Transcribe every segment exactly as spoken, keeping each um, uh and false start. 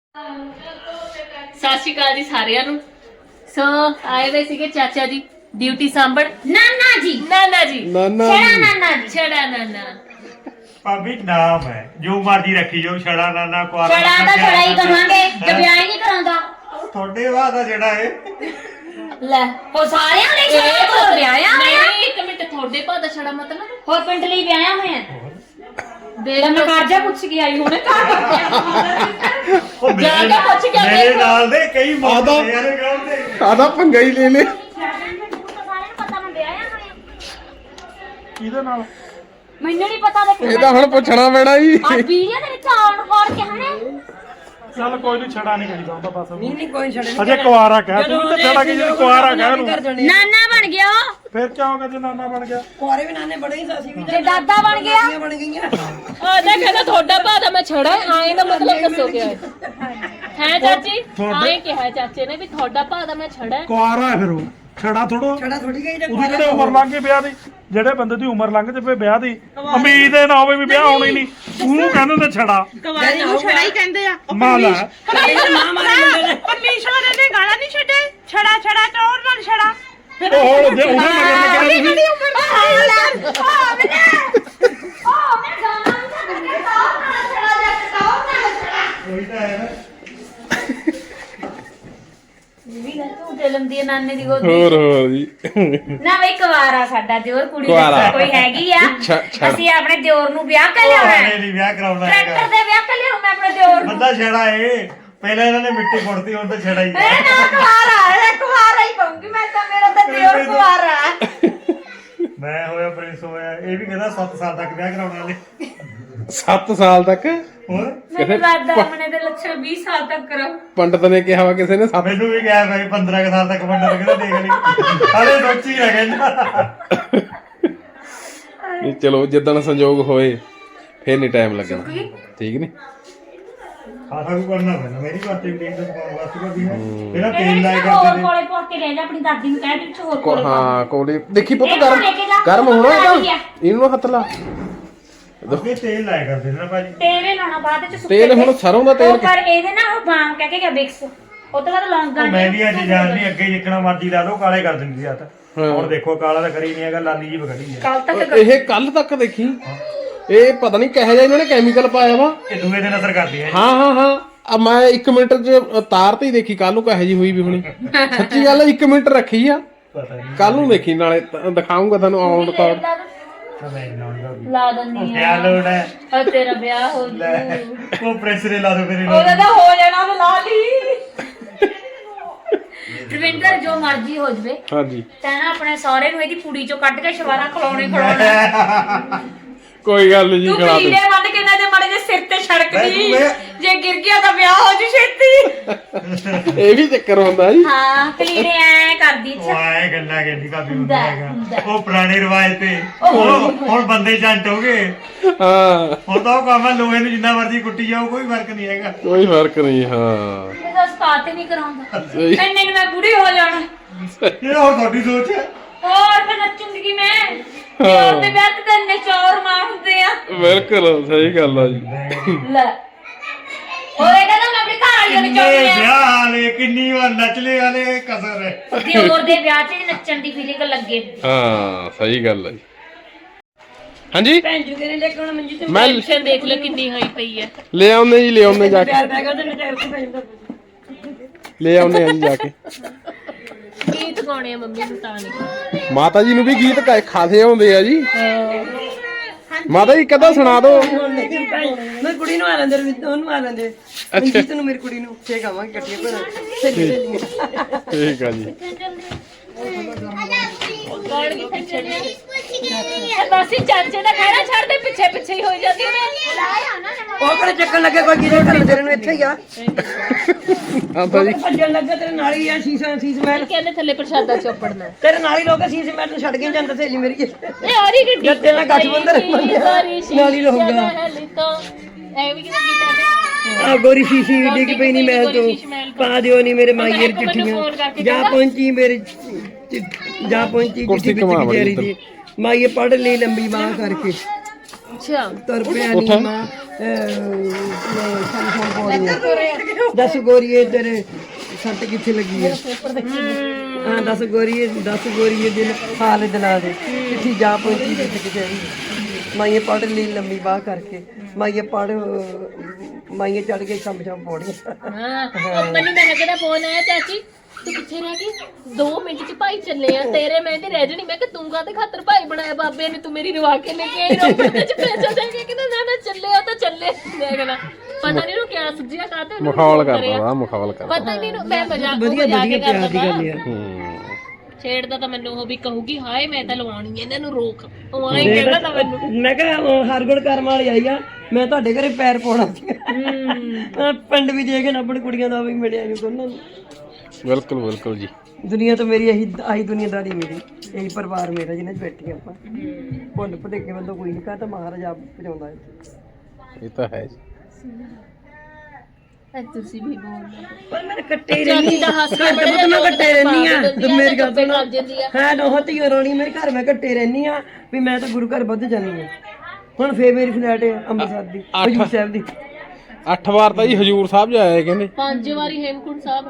ਸਤਿ ਸ਼੍ਰੀ ਅਕਾਲ ਜੀ ਸਾਰਿਆਂ ਨੂੰ। ਸੋ ਆਏ ਵੇ ਸੀਗੇ ਚਾਚਾ ਜੀ ਡਿਊਟੀ ਸਾਂਭਣ। ਨਾਨਾ ਜੀ ਨਾਨਾ ਜੀ ਨਾਨਾ ਛੜਾ ਨਾਨਾ ਜੀ ਛੜਾ ਨਾਨਾ ਭਾਬੀ ਨਾਮ ਹੈ ਜੋ ਮਰਜੀ ਰੱਖੀ ਜਾਓ ਛੜਾ ਨਾਨਾ ਕੁਆਰਾ ਛੜਾ ਤਾਂ ਛੜਾ ਹੀ ਕਹਾਂਗੇ ਤੇ ਵਿਆਹ ਹੀ ਨਹੀਂ ਕਰਾਂਦਾ। ਤੁਹਾਡੇ ਬਾਅਦ ਆ ਜਿਹੜਾ ਇਹ ਲੈ ਹੋ ਸਾਰਿਆਂ ਨੇ ਛੜਾ ਤੋਂ ਵਿਆਹਿਆ ਹੋਇਆ। ਨਹੀਂ ਇੱਕ ਮਿੰਟ ਤੁਹਾਡੇ ਭਾਅ ਦਾ ਛੜਾ ਮਤਲਬ ਹੋਰ ਪਿੰਡ ਲਈ ਵਿਆਹਿਆ ਹੋਇਆ। ਦੇਖ ਮੈਂ ਕਰਜਾ ਪੁੱਛ ਕੇ ਆਈ ਹੁਣੇ ਘਰ ਉਹ ਜਾ ਕੇ ਪੁੱਛ ਕੇ ਆਏ ਮੇਰੇ ਹੋ। ਨਾਲ ਦੇ ਕਈ ਆਦਾ- ਮੌਕੇ ਯਾਰ ਵਿਆਹ ਦੇ ਆਦਾ ਪੰਗਾ ਹੀ ਲੈ ਲੈ ਸਾਰਿਆਂ ਨੂੰ ਪਤਾ ਮੈਂ ਵਿਆਹਿਆ ਹੋਇਆ। ਇਹਦੇ ਨਾਲ ਮੈਨੂੰ ਨਹੀਂ ਪਤਾ ਦੇ ਇਹਦਾ ਹੁਣ ਪੁੱਛਣਾ ਪੈਣਾ ਜੀ ਆ ਵੀਡੀਓ ਦੇ ਵਿੱਚ ਆਉਣ ਕੋਰ ਕੇ ਹਣੇ ਚੱਲ ਕੋਈ ਨਹੀਂ ਛੜਾ ਨਹੀਂ ਕਹੀਦਾ ਹੁੰਦਾ ਬਸ ਨਹੀਂ ਨਹੀਂ ਕੋਈ ਛੜੇ ਅਜੇ ਕੁਆਰਾ ਕਹਿ ਤੂੰ ਤੇ ਛੜਾ ਕੀ ਜਿਹੜੀ ਕੁਆਰਾ ਕਹਿ ਨੂੰ ਨਾਨਾ ਬਣ ਗਿਆ ਉਹ ਫਿਰ ਕਿਆ ਹੋ ਗਿਆ ਜੇ ਨਾਨਾ ਬਣ ਗਿਆ ਕੁਆਰੇ ਵੀ ਨਾਨੇ ਬੜੇ ਹੀ ਸਾਸੀ ਵੀ ਤੇ ਦਾਦਾ ਬਣ ਗਿਆ। ਬਣ ਗਈਆਂ ਆ ਜਾ ਕਹਿੰਦਾ ਤੁਹਾਡਾ ਭਾਅ ਦਾ ਮੈਂ ਛੜਾ ਆਏ ਦਾ ਮਤਲਬ ਦੱਸੋ ਕਿਆ ਹੈ ਹੈ ਚਾਚੀ ਆਏ ਕਿਹਾ ਚਾਚੇ ਨੇ ਵੀ ਤੁਹਾਡਾ ਭਾਅ ਦਾ ਮੈਂ ਛੜਾ ਕੁਆਰਾ ਹੈ ਫਿਰ ਉਹ ਛੜਾ ਥੋੜੋ ਛੜਾ ਥੋੜੀ ਗਈ ਉਹਦੀ ਜਿਹੜੇ ਉਮਰ ਲੰਘ ਗਈ ਵਿਆਹ ਦੀ ਜਿਹੜੇ ਬੰਦੇ ਦੀ ਉਮਰ ਲੰਘ ਜੇ ਵਿਆਹ ਦੀ ਉਮੀਦ ਇਹ ਨਾ ਹੋਵੇ ਵੀ ਵਿਆਹ ਹੋਣਾ ਹੀ ਨਹੀਂ ਤੂੰ ਕਹਿੰਦੇ ਤੇ ਛੜਾ ਕੁਆਰੇ ਨੂੰ ਛੜਾ ਹੀ ਕਹਿੰਦੇ ਆ ਮਾਲਾ ਮਾਂ ਮਾਰੇ ਮੁੰਡੇ ਨੇ ਪਰਮੇਸ਼ਵਰ ਨੇ ਗਾਲਾਂ ਨਹੀਂ ਛੱਡੇ ਛੜਾ ਛੜਾ ਟੋਰ ਨਾਲ ਛੜਾ ਉਹ ਹੁਣ ਜੇ ਉਹਦੇ ਮਗਰ ਲੱਗਣਾ ਤੁਸੀਂ ਉਹੀ ਤਾਂ ਹੈ ਨਾ ਵੀ ਲੈ ਤੂੰ ਜਨਮ ਦੀ ਨਾਨੇ ਦੀ ਗੋਦੀ ਹੋਰ ਹੋਰ ਜੀ ਨਾ ਬਈ ਕੁਵਾਰਾ ਸਾਡਾ ਦਿਓਰ ਕੁੜੀ ਕੁਆਰਾ। ਦਾ ਕੋਈ ਹੈਗੀ ਆ। ਛ- ਛੜ। ਅਸੀਂ ਆਪਣੇ ਦਿਓਰ ਨੂੰ ਵਿਆਹ ਕਰ ਲਿਆਉਣਾ ਉਹਨੇ ਹੈ। ਨਹੀਂ ਵਿਆਹ ਕਰਾਉਣਾ ਟਰੈਕਟਰ ਹੈਗਾ ਦੇ ਵਿਆਹ ਕਰ ਲਿਆਉਂ ਮੈਂ ਆਪਣੇ ਦਿਓਰ ਨੂੰ। ਬੰਦਾ ਛੜਾ ਏ ਪਹਿਲਾਂ ਇਹਨਾਂ ਨੇ ਮਿੱਟੀ ਕੁੱਟਤੀ ਹੁਣ ਤਾਂ ਛੜਾ ਹੀ ਮੈਂ ਨਾ ਕੁਵਾਰਾ ਹੈ ਕੁਵਾਰਾ ਹੀ ਪਾਉਂਗੀ ਮੈਂ ਤਾਂ ਮੇਰਾ ਤਾਂ ਦਿਓਰ ਕੁਵਾਰਾ ਹੈ। ਮੈਂ ਹੋਇਆ ਪ੍ਰਿੰਸ ਹੋਇਆ ਇਹ ਵੀ ਕਹਿੰਦਾ ਸੱਤ ਸਾਲ ਤੱਕ ਵਿਆਹ ਕਰਾਉਣ ਵਾਲੇ ਸੱਤ ਸਾਲ ਤੱਕ ਹੋਰ ਮੈਨੂੰ ਲੱਗਦਾ ਆਪਣੇ ਦੇ ਲੱਛਣ ਵੀਹ ਸਾਲ ਤੱਕ ਕਰੋ। ਪੰਡਤ ਨੇ ਕਿਹਾ ਵਾ ਕਿਸੇ ਨੇ ਸੱਤ ਮੈਨੂੰ ਵੀ ਕਿਹਾ ਭਾਈ ਪੰਦਰਾਂ ਕੁ ਸਾਲ ਤੱਕ ਬੰਦਾ ਕਹਿੰਦਾ ਦੇਖ ਲਈ ਹਾਲੇ ਸੋਚੀ ਰਹਿ ਗਿਆ ਨਹੀਂ ਚਲੋ ਜਿੱਦਣ ਸੰਜੋਗ ਹੋਏ ਫੇਰ ਨਹੀਂ ਟਾਈਮ ਲੱਗਣਾ ਠੀਕ ਨੀ ਖਾਸਾ ਕੁ ਕਰਨਾ ਪੈਣਾ ਮੇਰੀ ਬਾਤ ਤੇ ਟੀਮ ਦੇ ਪਾਉਣ ਵਾਸਤੇ ਵੀ ਹੈ ਇਹਦਾ ਤੇਲ ਇਹਨੇ ਲਾਇਆ ਹੋਰ ਕਰਦੇ ਕੋਲੇ ਪੋਰ ਕੇ ਲੈ ਜਾ ਆਪਣੀ ਦਾਦੀ ਨੂੰ ਕਹਿ ਦੇ ਵਿੱਚ ਹੋਰ ਕੋ- ਕੋਲੇ ਹਾਂ ਕੋਲੇ ਦੇਖੀ ਪੁੱਤ ਇਹਨੂੰ ਗਰਮ ਲੈ ਕੇ ਜਾ। ਗਰਮ ਹੋਣਾ ਆ ਰਹੀ ਇਹਦਾ ਆ। ਇਹਨੂੰ ਹੱਥ ਲਾ ਅੱਗੇ ਤੇਲ ਲਾਇਆ ਕਰਦੇ ਨੇ ਨਾ ਭਾਜੀ ਤੇਰੇ ਲਾਉਣਾ ਬਾਅਦ ਵਿੱਚ ਸੁੱਕੇ ਤੇਲ ਹੁਣ ਸਰੋਂ ਦਾ ਤੇਲ ਉਹ ਪਰ ਇਹਦੇ ਨਾਲ ਉਹ ਬਾਮ ਕਹਿ ਕੇ ਗਿਆ ਬਿਕਸ ਉਹ ਤੋਂ ਬਾਅਦ ਲੌਂਗਾਂ ਉਹ ਮੈਂ ਵੀ ਅੱਜ ਜਾਣਦੀ ਅੱਗੇ ਜਿੱਕਣਾ ਮਰਜ਼ੀ ਲਾ ਲਓ ਕਾਲੇ ਕਰ ਦਿੰਦੀ ਆ ਤਾਂ ਹਾਂ। ਹੁਣ ਦੇਖੋ ਕਾਲਾ ਤਾਂ ਕਰੀ ਨਹੀਂ ਹੈਗਾ ਲਾਲੀ ਜੀ ਬਗੜੀ ਹੈ ਕੱਲ ਤੱਕ ਇਹ ਕੱਲ ਤੱਕ ਦੇਖੀ ਇਹ ਪਤਾ ਨਹੀਂ ਕਿਹੋ ਜਿਹਾ ਇਹਨਾਂ ਨੇ ਕੈਮੀਕਲ ਪਾਇਆ ਵਾ ਇਹ ਦੂਏ ਦਿਨ ਅਸਰ ਕਰਦੀ ਹੈ ਹਾਂ ਹਾਂ ਹਾਂ ਆ ਮੈਂ ਇੱਕ ਮਿੰਟ ਚ ਤਾਰ ਤੇ ਹੀ ਦੇਖੀ ਕੱਲ ਨੂੰ ਕਿਹੋ ਜੀ ਹੋਈ ਵੀ ਹੁਣੀ ਸੱਚੀ ਗੱਲ ਇੱਕ ਮਿੰਟ ਰੱਖੀ ਆ ਪਤਾ ਨਹੀਂ ਕੱਲ ਨੂੰ ਦੇਖੀ ਨਾਲੇ ਤ- ਦਿਖਾਊਂਗਾ ਤੁਹਾਨੂੰ ਔਨ ਰਿਕਾਰਡ ਮੈਂ ਲਾਉਂਦਾ ਵੀ ਲਾ ਦਿੰਦੀ ਕਿਆ ਲੋੜ ਹੈ ਆ ਤੇਰਾ ਵਿਆਹ ਹੋ ਲੈ ਜੂ ਉਹ ਪ੍ਰੈਸ ਰੇ ਲਾ ਦੋ ਮੇਰੇ ਉਹਦਾ ਤਾਂ ਹੋ ਜਾਣਾ ਉਹ ਲਾ ਲਈ ਰਵਿੰਦਰ ਜੋ ਮਰਜ਼ੀ ਹੋ ਜਵੇ ਹਾਂਜੀ ਤੈਂ ਨਾ ਆਪਣੇ ਸਹੁਰੇ ਨੂੰ ਇਹਦੀ ਕੁੜੀ ਚੋਂ ਕੱਢ ਕੇ ਸ਼ਵਾਰਾ ਖਲਾਉਣੇ ਖਲਾਉਣਾ ਕੋਈ ਗੱਲ ਨਹੀਂ ਜੀ ਤੂੰ ਖਿਲਾ ਦੇ ਕੀੜੇ ਵੱਢ ਕੇ ਨਾ ਦੇ ਮੜੇ ਜੇ ਸਿਰ ਤੇ ਛੜਕਦੀ ਮੈਂ- ਜੇ ਗਿਰ ਗਿਆ ਤਾਂ ਵਿਆਹ ਹੋ ਜੂ ਛੇਤੀ ਇਹ ਵੀ ਚੱਕਰ ਹੁੰਦਾ ਜੀ ਹਾਂ ਕਲੀੜੇ ਐ ਕਰਦੀ ਉਹ ਆਏ ਗੱਲਾਂ ਕਹਿੰਦੀ ਕਾਫੀ ਹੁੰਦਾ ਹੁੰਦਾ, ਹੁੰਦਾ। ਹੈਗਾ ਉਹ ਪੁਰਾਣੇ ਰਿਵਾਜ ਤੇ ਹੁਣ ਹੁਣ ਬੰਦੇ ਜੰਟ ਹੋ ਗਏ ਹਾਂ ਹੁਣ ਤਾਂ ਉਹ ਕੰਮ ਹੈ ਲੋਹੇ ਨੂੰ ਜਿੰਨਾ ਮਰਜ਼ੀ ਕੁੱਟੀ ਜਾਓ ਕੋਈ ਫਰਕ ਨਹੀਂ ਹੈਗਾ ਕੋਈ ਫਰਕ ਨਹੀਂ ਹਾਂ ਇਹਦਾ ਸਕਾਤ ਹੀ ਨਹੀਂ ਕਰਾਉਂਦਾ ਸਹੀ ਇੰਨੇ ਨੂੰ ਮੈਂ ਬੁੜੀ ਹੋ ਜਾਣਾ ਇਹ ਹੁਣ ਤੁਹਾਡੀ ਸੋਚ ਹੈ ਹੋਰ ਫਿਰ ਨੱਚੂਗੀ ਮੈਂ ਚੋਰ ਦੇ ਵਿਆਹ ਤੇ ਤਾਂ ਇੰਨੇ ਚੋਰ ਮਾਰ ਹੁੰਦੇ ਆ ਬਿਲਕੁਲ ਸਹੀ ਗੱਲ ਆ ਜੀ ਲੈ ਹੋਏ ਕਹਿੰਦਾ ਮੈਂ ਆਪਣੇ ਘਰ ਵਾਲੀ ਨੂੰ ਕਿੰਨੇ ਚਾਹੁੰਦੀ ਆ ਵਿਆਹ ਵਾਲੇ ਕਿੰਨੀ ਵਾਰ ਨਚਲੇ ਵਾਲੇ ਕਸਰ ਹੈ ਦਿਓਰ ਦੇ ਵਿਆਹ 'ਚ ਨੱਚਣ ਦੀ ਫੀਲਿੰਗ ਲੱਗੇ ਹਾਂ ਸਹੀ ਗੱਲ ਆ ਜੀ ਹਾਂਜੀ ਭੈਣ ਜੂ ਨੇ ਲੈ ਕੇ ਆਉਣਾ ਮੰਜੀ ਤੇ ਮੈਂ ਟੈਨਸ਼ਨ ਦੇਖ ਲੈ ਕਿੰਨੀ ਹੋਈ ਪਈ ਹੈ ਲੈ ਆਉਨੇ ਜੀ ਲੈ ਆਉਨੇ ਜਾ ਕੇ ਪਿਆਰ ਪੈ ਗਿਆ ਤੇ ਟਾਇਰ ਤੇ ਪੈ ਜਾਂਦਾ ਲੈ ਆਉਨੇ ਆ ਜੀ ਜਾ ਕੇ ਗੀਤ ਗਾਉਣੇ ਆ ਮੰਮੀ ਨੂੰ ਤਾਂ ਨਹੀਂ ਮਾਤਾ ਜੀ ਨੂੰ ਵੀ ਗੀਤ ਕਾ- ਖਾਸੇ ਆਉਂਦੇ ਆ ਜੀ ਮਾਤਾ ਜੀ ਕਦਾ ਸੁਣਾ ਦਿਓ ਮੈਂ ਕੁੜੀ ਨੂੰ ਆ ਲੈਂਦੇ ਰਵਿੰਦਰ ਉਹਨੂੰ ਆ ਲੈਂਦੇ ਮੰਜੀ ਤੈਨੂੰ ਮੇਰੀ ਕੁੜੀ ਨੂੰ ਫੇਕ ਆਵਾਂਗੇ ਇਕੱਠੀਆਂ ਭੈਣਾਂ ਸਹੀ ਸਹੀ ਠੀਕ ਆ ਜੀ ਗਾਣ ਕੀ ਪਿੱਛੇ ਬਸ ਹੀ ਚਾਚੇ ਦਾ ਕਹਿਣਾ ਛੱਡ ਦੇ ਪਿੱਛੇ ਪਿੱਛੇ ਹੀ ਹੋ ਜਾਂਦੀ ਨੇ ਉਹ ਕਿਹੜੇ ਚੱਕਣ ਲੱਗੇ ਕੋਈ ਕਿਹਦੇ ਘਰ ਤੇਰੇ ਨੂੰ ਇੱਥੇ ਹੀ ਆ ਹਾਂ ਤਾਂ ਜੀ ਭੱਜਣ ਲੱਗਾ ਤੇਰੇ ਨਾਲ ਹੀ ਆ ਸ਼ੀਸ਼ਾ ਸੀਸ ਮਹਿਲ ਕਹਿੰਦੇ ਥੱਲੇ ਪ੍ਰਸ਼ਾਦਾ ਚੋਪੜਨਾ ਤੇਰੇ ਨਾਲ ਹੀ ਲੋਕ ਸ਼ੀਸ਼ ਮਹਿਲ ਨੂੰ ਛੱਡ ਕੇ ਨੀ ਜਾਂਦਾ ਸਹੇਲੀ ਮੇਰੀ ਇਹ ਆਰੀ ਗੱਡੀ ਗੱਦੇ ਨਾਲ ਗੱਠ ਬੰਧਨ ਨਾਲ ਹੀ ਰਹੂਗਾ ਐ ਵੀ ਕਿਹਦਾ ਗੀਤ ਹੈ ਆ ਗੋਰੀ ਸ਼ੀਸ਼ੀ ਡਿੱਗ ਪਈ ਨਹੀਂ ਮਹਿਲ ਤੋਂ ਪਾ ਦਿਓ ਨਹੀਂ ਮੇਰੇ ਮਾਈਏ ਇੱਕ ਮੈਨੂੰ ਫੋਨ ਚਿੱਠੀਆਂ ਕਰਕੇ ਜਾ ਪਹੁੰਚੀ ਮੇਰੇ ਚਿ- ਜਾ ਪਹੁੰਚੀ ਕੁਰਸੀ ਚਿੱਠੀ ਵਿੱਚ ਘੁਮਾ ਵਿਚਾਰੀ ਦੀ ਮਾਈਏ ਪੜ ਲਈ ਲੰਬੀ ਬਾਹ ਕਰਕੇ ਅੱਛਾ ਤੁਰ ਪਿਆ ਨੀ ਮਾਂ ਸਾਨੂੰ ਫੋਨ ਪੌੜੀਆਂ ਦੱਸ ਗੋਰੀਏ ਤੇਰੇ ਸੱਟ ਕਿੱਥੇ ਲੱਗੀ ਆ ਹਾਂ ਦੱਸ ਗੋਰੀਏ ਦੱਸ ਗੋਰੀਏ ਦਿਲ ਹਾਲ ਦਿਲਾ ਦੇ ਕਿੱਥੇ ਜਾ ਪਹੁੰਚੀ ਜਿੱਥੇ ਕਿਤੇ ਮਾਈਏ ਪੜ ਲਈ ਲੰਮੀ ਬਾਹ ਕਰਕੇ ਮਾਈਏ ਪੜ ਮਾਈਏ ਚੜ ਕੇ ਸ਼ੰਭ ਸ਼ੰਭ ਪੌੜੀਆਂ ਹਾਂ ਉਹ ਮੈਨੂੰ ਮਹਿਕ ਦਾ ਫੋਨ ਆਇਆ ਚਾਚੀ ਤੂੰ ਕਿੱਥੇ ਰਹਿ ਗਈ ਦੋ ਮਿੰਟ ਚ ਭਾਈ ਚੱਲੇ ਆ ਤੇਰੇ ਮੈਂ ਤੇ ਰਹਿ ਜਣੀ ਮੈਂ ਕਿ ਤੂੰ ਕਾਹਦੇ ਖਾਤਰ ਭਾਈ ਬਣਾਇਆ ਬਾਬੇ ਨੇ ਤੂੰ ਮੇਰੀ ਰਵਾ ਕੇ ਲੈ ਕੇ ਆਈ ਰੋਪੜ ਤੇ ਚ ਪੈਸਾ ਦੇ ਕੇ ਕਹਿੰਦਾ ਨਾ ਨਾ ਚੱਲੇ ਆ ਤਾਂ ਚੱਲੇ ਦੇਖਣਾ ਪਤਾ ਨਹੀਂ ਨੂੰ ਕਿਆ ਸੁਝਿਆ ਕਾਹਤੇ ਮਖੌਲ ਕਰਦਾ ਵਾ ਮਖੌਲ ਕਰਦਾ ਪਤਾ ਨਹੀਂ ਨੂੰ ਮੈਂ ਮਜ਼ਾਕ ਵਧੀਆ ਮਜ਼ਾਕ ਵਧੀਆ ਕਰਦਾ ਪਿਆਰ ਦੀ ਗੱਲ ਵਾ। ਆ ਹੂੰ ਛੇੜਦਾ ਤਾਂ ਮੈਨੂੰ ਉਹ ਵੀ ਕਹੂਗੀ ਹਾਏ ਮੈਂ ਤਾਂ ਲਵਾਉਣੀ ਐ ਇਹਨਾਂ ਨੂੰ ਰੋਕ ਉਹ ਆਈ ਕਹਿੰਦਾ ਤਾਂ ਮੈਨੂੰ ਮੈਂ ਕਿਹਾ ਹਰਗੁਣ ਕਰਮ ਵਾਲੀ ਆਈ ਆ ਮੈਂ ਤੁਹਾਡੇ ਘਰੇ ਪੈਰ ਪਾਉਣਾ ਸੀ ਪਿੰਡ ਵੀ ਦੇ ਕੇ ਨਾ ਆਪਣੀ ਕੁੜੀਆਂ ਦਾ ਵੀ ਮਿਲਿਆ ਨਹੀਂ ਦੋਨਾਂ ਨੂੰ ਬਿਲਕੁਲ ਬਿਲਕੁਲ ਜੀ ਦੁਨੀਆ ਤੋਂ ਮੇਰੀ ਇਹੀ ਆਹੀ ਦੁਨੀਆਦਾਰੀ ਮੇਰੀ ਇਹੀ ਪਰਿਵਾਰ ਮੇਰਾ ਜਿਹਨੇ 'ਚ ਬੈਠੀ ਆਪਾਂ ਭੁੱਲ ਭੁਲੇਖੇ ਬੰਦਾ ਕੋਈ ਨਹੀਂ ਕਹਾ ਤਾਂ ਮਹਾਰਾਜ ਆਪ ਪਹੁੰਚਾਉਂਦਾ ਹੈ ਇਹ ਤਾਂ ਹੈ ਜੀ ਐ ਤੁਸੀਂ ਵੀ ਬੋਲਦੇ ਪਰ ਮੈਂ ਕੱਟੇ ਹੀ ਰਹਿੰਦੀ ਚਾਚੀ ਦਾ ਹੱਸਣਾ ਘਰ ਤਾਂ ਮੈਂ ਕੱਟੇ ਰਹਿੰਦੀ ਆ ਤੇ ਮੇਰੀ ਗੱਲ ਚੁੱਪੇ ਸੁਣੋ ਕਰ ਜਾਂਦੀ ਆ ਹੈ ਨੋਹਤੀ ਰੋਣੀ ਮੇਰੇ ਘਰ ਮੈਂ ਕੱਟੇ ਰਹਿੰਦੀ ਆ ਵੀ ਮੈਂ ਤਾਂ ਗੁਰੂ ਘਰ ਵੱਧ ਜਾਂਦੀ ਆ ਹੁਣ ਫੇਰ ਮੇਰੀ ਫਲੈਟ ਹੈ ਅੰਮ੍ਰਿਤਸਰ ਦੀ ਹਜੂਰ ਸਾਹਿਬ ਦੀ ਅੱਠ ਵਾਰ ਤਾਂ ਜੀ ਹਜੂਰ ਸਾਹਿਬ ਜਾਇਆ ਕਹਿੰਦੇ ਪੰਜ ਵਾਰੀ ਹੇਮਕੁੰਟ ਸਾਹਿਬ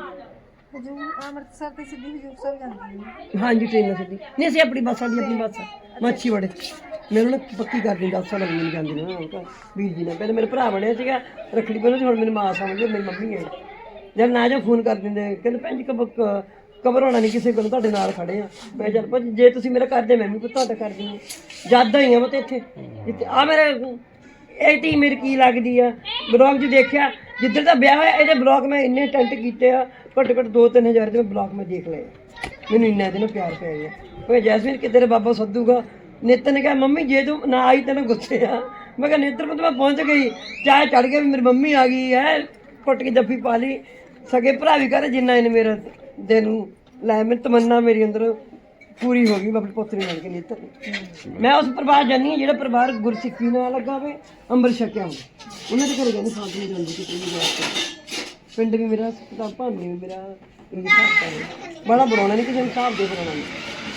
ਹਾਂਜੀ ਟ੍ਰੇਨ ਸਿੱਧੀ ਨਹੀਂ ਅਸੀਂ ਆਪਣੀ ਬੱਸ ਵਾਲੀ ਆਪਣੀ ਬੱਸ ਮੱਛੀ ਵੜੇ ਮੈਨੂੰ ਨਾ ਪੱਕੀ ਕਰ ਦਿੰਦਾ ਦਸ ਸਾਲ ਲੱਗ ਮੈਨੂੰ ਜਾਂਦੇ ਨੇ ਹੁਣ ਵੀਰ ਜੀ ਨੇ ਪਹਿਲੇ ਮੇਰੇ ਭਰਾ ਬਣਿਆ ਸੀਗਾ ਰੱਖੜੀ ਬੰਨ੍ਹੋ ਤੇ ਹੁਣ ਮੇਰੀ ਮਾਂ ਸਮਝੋ ਮੇਰੀ ਮੰਮੀ ਹੈ ਜਦ ਨਾ ਜਾ ਫੋਨ ਕਰ ਦਿੰਦੇ ਕਹਿੰਦੇ ਭੈਣ ਜੀ ਕਬ ਕਬਰ ਹੋਣਾ ਨਹੀਂ ਕਿਸੇ ਕੋਲ ਤੁਹਾਡੇ ਨਾਲ ਖੜੇ ਆ ਮੈਂ ਚੱਲ ਭਾਜੀ ਜੇ ਤੁਸੀਂ ਮੇਰਾ ਕਰਦੇ ਮੈਂ ਵੀ ਤੁਹਾਡਾ ਕਰ ਦਿੰਦੀ ਜਦ ਹੀ ਆ ਮੈਂ ਤੇ ਇੱਥੇ ਜਿੱਥੇ ਆ ਮੇਰੇ ਇਹ ਟੀ ਮੇਰੀ ਕੀ ਲੱਗਦੀ ਆ ਬਲੌਗ 'ਚ ਦੇਖਿਆ ਜਿੱਧਰ ਦਾ ਵਿਆਹ ਹੋਇਆ ਇਹਦੇ ਬਲੌਗ ਮੈਂ ਇੰਨੇ ਟੈਂਟ ਕੀਤੇ ਆ ਘੱਟ ਘੱਟ ਦੋ ਤਿੰਨ ਹਜ਼ਾਰ ਦੇ ਬਲੌਗ ਮੈਂ ਦੇਖ ਲਏ ਮੈਨੂੰ ਇੰਨਾ ਇਹਦੇ ਨਾਲ ਪਿਆਰ ਪਿਆ ਗਿਆ ਉਹ ਜੈਸਮੀਨ ਕਿ ਤੇਰੇ ਬਾਬਾ ਸੱਦੂਗਾ ਨਿੱਤ ਨੇ ਕਿਹਾ ਮੰਮੀ ਜੇ ਤੂੰ ਨਾ ਆਈ ਤੈਨੂੰ ਗੁੱਸੇ ਆ ਮੈਂ ਕਿਹਾ ਨੇਤਰ ਪੁੱਤ ਮੈਂ ਪਹੁੰਚ ਗਈ ਚਾਹ ਚੜ ਗਿਆ ਵੀ ਮੇਰੀ ਮੰਮੀ ਆ ਗਈ ਹੈ ਕੁੱਟ ਕੇ ਜੱਫੀ ਪਾ ਲਈ ਸਗੇ ਭਰਾ ਵੀ ਕਰੇ ਜਿੰਨਾ ਇਹਨੇ ਮੇਰਾ ਦਿਲ ਨੂੰ ਲੈ ਮੇਰੀ ਤਮੰਨਾ ਮੇਰੀ ਅੰਦਰ ਪੂਰੀ ਹੋ ਗਈ ਮੈਂ ਆਪਣੀ ਪੁੱਤਰੀ ਬਣ ਕੇ ਨੇਤਰ ਮੈਂ ਉਸ ਪਰਿਵਾਰ ਜਾਨੀ ਜਿਹੜਾ ਪਰਿਵਾਰ ਗੁਰਸਿੱਖੀ ਨਾਲ ਲੱਗਾ ਹੋਵੇ ਅੰਮ੍ਰਿਤ ਛਕਿਆ ਹੋਵੇ ਉਹਨਾਂ ਦੇ ਘਰੇ ਜਾਂਦੀ ਸਾਥ ਨਹੀਂ ਜਾਂਦੀ ਕਿਤੇ ਵੀ ਜਾ ਕੇ ਪਿੰਡ ਵੀ ਮੇਰਾ ਤਾਂ ਭਾਂਡੇ ਵੀ ਮੇਰਾ ਇਹ ਹਿਸਾਬ ਬੜਾ ਬਣਾਉਣਾ ਨਹੀਂ ਕਿਸੇ ਨੂੰ ਹਿਸਾਬ ਦੇ ਬਣਾਉਣਾ ਨਹੀਂ